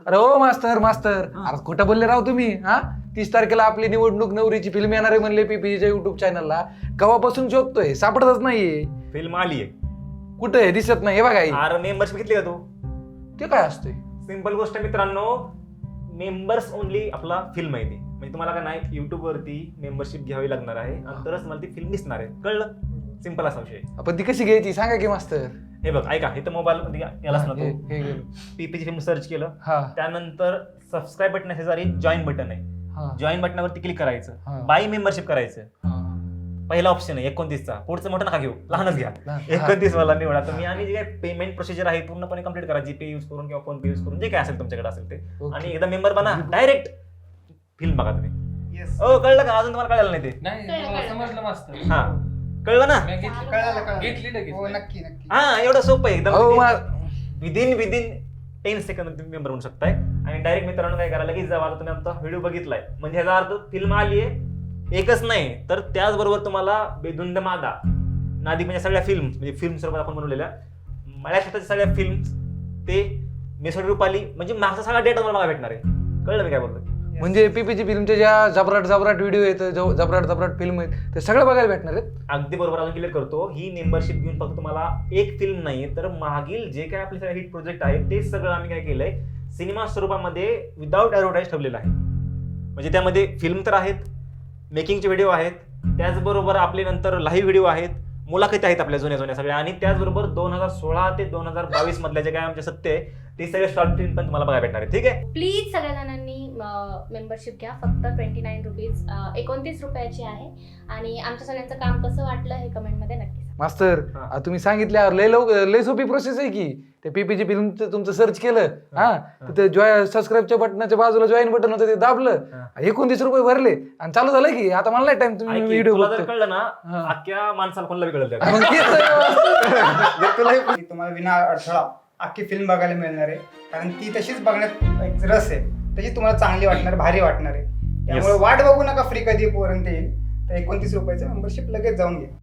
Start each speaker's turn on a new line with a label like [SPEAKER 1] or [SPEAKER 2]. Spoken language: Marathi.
[SPEAKER 1] अरे ओ मास्तर मास्तर, अरे कुठं बोलले राव तुम्ही? हा 30 तारखेला आपली निवडणूक नवरीची फिल्म येणार आहे म्हणले पीपीच्या युट्यूब चॅनलला. केव्हापासून शोधतोय, सापडतच नाहीये.
[SPEAKER 2] फिल्म आली आहे.
[SPEAKER 1] कुठे आहे? दिसत नाही. हे बघा हे.
[SPEAKER 2] अरे मेंबरशिप घेतली का तू?
[SPEAKER 1] ते काय असतंय?
[SPEAKER 2] सिंपल गोष्ट मित्रांनो, मेंबर्स ओनली आपला फिल्म आहे ती. म्हणजे तुम्हाला काय नाही, युट्यूब वरती मेंबरशिप घ्यावी लागणार आहे आणि तरच मला ती फिल्म दिसणार आहे. कळलं? सिंपल असा विषय.
[SPEAKER 1] आपण ती कशी घ्यायची सांगा की मास्तर.
[SPEAKER 2] हे बघ ऐका, इथं मोबाईल मध्ये यालाच ना
[SPEAKER 1] हे
[SPEAKER 2] तू
[SPEAKER 1] गेलं.
[SPEAKER 2] पीपीची फिल्म सर्च केलं,
[SPEAKER 1] हा
[SPEAKER 2] त्यानंतर सबस्क्राईब बटन शेजारी जॉईन बटन आहे.
[SPEAKER 1] हा
[SPEAKER 2] जॉईन बटनावरती क्लिक
[SPEAKER 1] हा.
[SPEAKER 2] करायचं, बाय मेंबरशिप करायचं.
[SPEAKER 1] हा.
[SPEAKER 2] पहिला ऑप्शन आहे 29चा. पुढचं मोठं नका घेऊ, लहानच घ्या.
[SPEAKER 1] लहान.
[SPEAKER 2] 29 वाला निवडा तुम्ही आणि जे काही पेमेंट प्रोसिजर आहे पूर्णपणे कम्प्लीट करा. जीपे यूज करून किंवा फोन पे यूज करून जे काय असेल तुमच्याकडे असेल ते.
[SPEAKER 1] ओके.
[SPEAKER 2] आणि एकदा मेंबर बना, डायरेक्ट फिल्म बघा तुम्ही.
[SPEAKER 3] Yes.
[SPEAKER 2] हो कळलं का? अजून तुम्हाला कळलं नाही ते?
[SPEAKER 4] नाही मला समजलं मास्तर.
[SPEAKER 2] हा कळलं ना?
[SPEAKER 4] मी घेतली.
[SPEAKER 3] कळालं.
[SPEAKER 4] घेतली लगेच.
[SPEAKER 3] हो नक्की नक्की.
[SPEAKER 2] हा एवढं सोपं आहे
[SPEAKER 1] अहो,
[SPEAKER 2] एकदम. विदिन 10 सेकंद तुम्ही मेंबर होऊ शकताय. आणि डायरेक्ट मित्रांनो काय करा, लगेच जावा तुम्ही आमचा व्हिडिओ बघितलाय म्हणजे ह्याचा अर्थ फिल्म आली आहे. एकच नाही तर त्याचबरोबर तुम्हाला बेधुंद मादा नादी म्हणजे सगळ्या फिल्म, म्हणजे फिल्म स्वरूपात आपण बनवलेल्या मराठीच्या सगळ्या फिल्म ते मेसोड रुपाली म्हणजे मागचा सगळा डेटा तुम्हाला भेटणार आहे. कळलं मी काय बोलतोय?
[SPEAKER 1] म्हणजे पीपीची फिल्मच्या ज्या जबराट जबराट व्हिडिओ आहेत, जबराट जबराट फिल्म आहेत, ते सगळं बघायला भेटणार आहेत.
[SPEAKER 2] अगदी बरोबर. अजून क्लिअर करतो, ही मेंबरशिप घेऊन फक्त तुम्हाला एक फिल्म नाही तर मागील जे काय आपले सगळे हिट प्रोजेक्ट आहेत ते सगळं आम्ही काय केलंय सिनेमा स्वरूपामध्ये विदाऊट ऍडव्हर्टाईज ठेवलेलं आहे. म्हणजे त्यामध्ये फिल्म तर आहेत, मेकिंगचे व्हिडिओ आहेत, त्याचबरोबर आपले नंतर लाईव्ह व्हिडिओ आहेत, मुलाखती आहेत आपल्या जुन्या सगळ्या, आणि त्याचबरोबर 2016 ते 2022 मधल्या जे काय आमचे सत्य आहे ते सगळे शॉर्ट फिल्म पण तुम्हाला बघायला भेटणार आहे. ठीक आहे?
[SPEAKER 5] प्लीज सगळ्या जणांनी मेंबरशिप घ्या. फक्त 29 रुपीज 29 रुपयाची आहे. आणि आमच्या सगळ्यांचं काम कसं वाटलं हे कमेंटमध्ये नक्की सांगा.
[SPEAKER 1] मास्तर
[SPEAKER 2] हा.
[SPEAKER 1] तुम्ही सांगितल्यावर लय सोपी प्रोसेस आहे की. ते पीपीची फिल्म तुमचं सर्च केलं, हा तर ते सबस्क्राईबच्या बटनाच्या बाजूला जॉईन बटन होतं ते दाबलं, 29 रुपये भरले आणि चालू झालं की. आता मला नाही टाइम, तुम्ही
[SPEAKER 2] ऐक की,
[SPEAKER 1] व्हिडिओ
[SPEAKER 2] तुला जर
[SPEAKER 1] बघतो.
[SPEAKER 2] कळलं ना,
[SPEAKER 1] हा.
[SPEAKER 2] अख्ख्या माणसाला कोणाला बी कळलं.
[SPEAKER 1] मग तेच आहे.
[SPEAKER 3] जर तुला तुम्हाला विना अडथळा अख्खी फिल्म बघायला मिळणार आहे, कारण ती तशीच बघण्यात एक रस आहे, तशी तुम्हाला चांगली वाटणार, भारी वाटणार आहे. त्यामुळे वाट बघू नका फ्री कधी पर्यंत येईल. तर 29 रुपयाचं मेंबरशिप लगेच जाऊन घ्या.